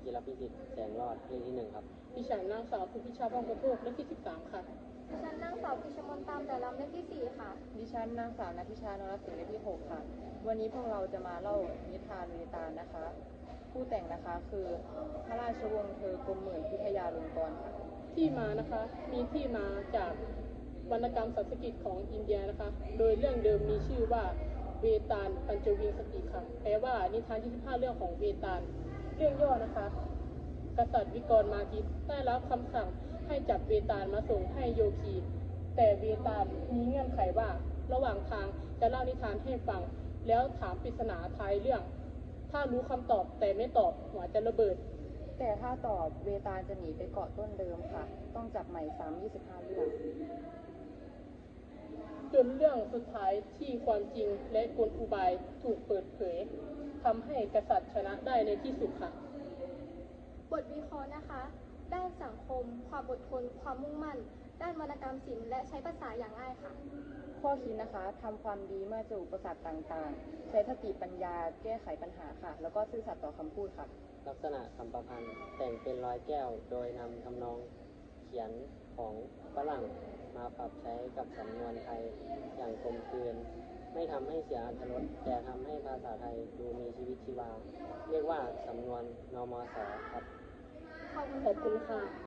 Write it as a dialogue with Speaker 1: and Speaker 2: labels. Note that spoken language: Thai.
Speaker 1: จิรพิสิทธิ์แสงรอดเลขที่1ครับ
Speaker 2: ดิฉันนางสาวภูพิชาบ้องกระโทกเลขที่13ค่ะ
Speaker 3: ดิฉันนางสาวพิชมนตามแต่ลำเลขที่4ค่ะ
Speaker 4: ดิฉันนางสาวนัทธิชานรสิงห์เลขที่6ค่ะวันนี้พวกเราจะมาเล่านิทานเวตาลนะคะผู้แต่งนะคะคือพระราชวงศ์เธอกรมหมื่นพิทยาลงกรณ์ค่ะ
Speaker 2: ที่มานะคะมีที่มาจากวรรณกรรมสันสกฤตของอินเดียนะคะโดยเรื่องเดิมมีชื่อว่าเวตาลปัญจวิงสติค่ะแปลว่านิทาน25เรื่องของเวตาลเรื่องย่อนะคะกษัตริย์วิกรมาทิตได้รับคำสั่งให้จับเวตาลมาส่งให้โยคีแต่เวตาลมีเงื่อนไขว่าระหว่างทางจะเล่านิทานให้ฟังแล้วถามปริศนาท้ายเรื่องถ้ารู้คำตอบแต่ไม่ตอบหัวจะระเบิด
Speaker 4: แต่ถ้าตอบเวตาลจะหนีไปเกาะต้นเดิมค่ะต้องจับใหม่ซ้ำ25เรื่อง
Speaker 2: จนเรื่องสุดท้ายที่ความจริงและกลอุบายถูกเปิดเผยทำให้กษัตริย์ชนะได้ในที่สุดค่ะ
Speaker 3: บทวิเคราะห์นะคะด้านสังคมความอดทนความมุ่งมั่นด้านวรรณกรรมศิลป์และใช้ภาษาอย่างง่ายค่ะ
Speaker 4: ข้อคิดนะคะทำความดีเมื่อเจออุปสรรคต่างๆใช้สติปัญญาแก้ไขปัญหาค่ะแล้วก็ซื่อสัตย์ต่อคำพูดค่ะ
Speaker 1: ลักษณะคำประพันธ์แต่งเป็นร้อยแก้วโดยนำทำนองเขียนของฝรั่งมาปรับใช้กับสำนวนไทยอย่างกลมกลืนไม่ทำให้เสียอรรถรสแต่ทำให้ภาษาไทยดูมีชีวิตชีวาเรียกว่าสำนวนนมสครับ
Speaker 2: ขอบคุณค่ะ